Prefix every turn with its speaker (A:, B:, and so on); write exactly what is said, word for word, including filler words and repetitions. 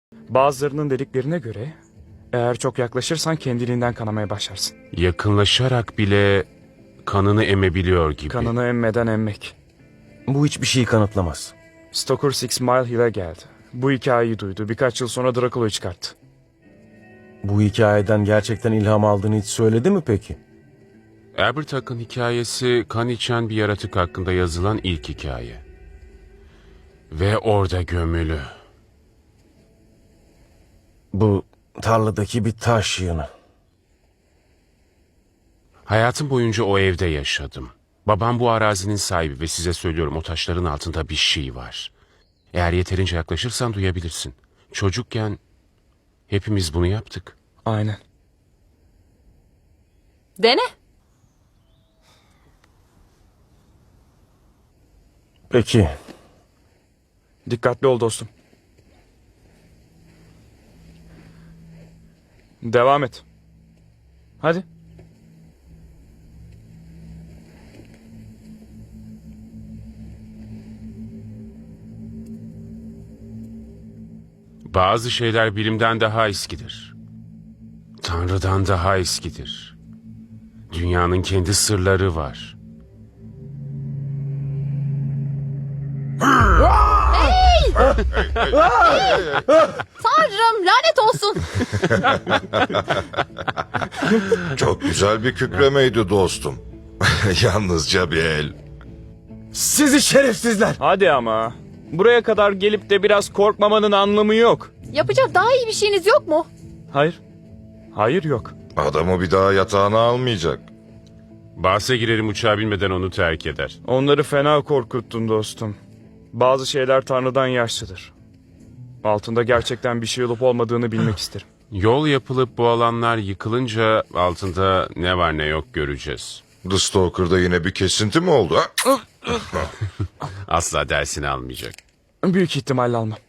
A: Bazılarının dediklerine göre eğer çok yaklaşırsan kendiliğinden kanamaya başlarsın.
B: Yakınlaşarak bile kanını emebiliyor gibi.
A: Kanını emmeden emmek.
C: Bu hiçbir şeyi kanıtlamaz.
A: Stoker Six Mile Hill'e geldi. Bu hikayeyi duydu. Birkaç yıl sonra Dracula'yı çıkarttı.
C: Bu hikayeden gerçekten ilham aldığını hiç söyledi mi peki?
B: Albert Hack'ın hikayesi kan içen bir yaratık hakkında yazılan ilk hikaye. Ve orada gömülü.
C: Bu tarladaki bir taş yığını.
B: Hayatım boyunca o evde yaşadım. Babam bu arazinin sahibi ve size söylüyorum, o taşların altında bir şey var. Eğer yeterince yaklaşırsan duyabilirsin. Çocukken hepimiz bunu yaptık.
A: Aynen.
D: Dene.
C: Peki.
A: Dikkatli ol dostum. Devam et. Hadi.
B: Bazı şeyler bilimden daha eskidir. Tanrı'dan daha eskidir. Dünyanın kendi sırları var.
D: Tanrım lanet olsun.
E: Çok güzel bir kükremeydi dostum. Yalnızca bir el.
C: Sizi şerefsizler!
A: Hadi ama. Buraya kadar gelip de biraz korkmamanın anlamı yok.
D: Yapacak daha iyi bir şeyiniz yok mu?
A: Hayır. Hayır yok.
E: Adamı bir daha yatağına almayacak.
B: Bahse girerim, uçağa binmeden onu terk eder.
A: Onları fena korkuttun dostum. Bazı şeyler Tanrı'dan yaşlıdır. Altında gerçekten bir şey olup olmadığını bilmek isterim.
B: Yol yapılıp bu alanlar yıkılınca altında ne var ne yok göreceğiz.
E: The Stalker'da yine bir kesinti mi oldu? Ha?
B: Asla dersini almayacak.
A: Büyük ihtimalle almam.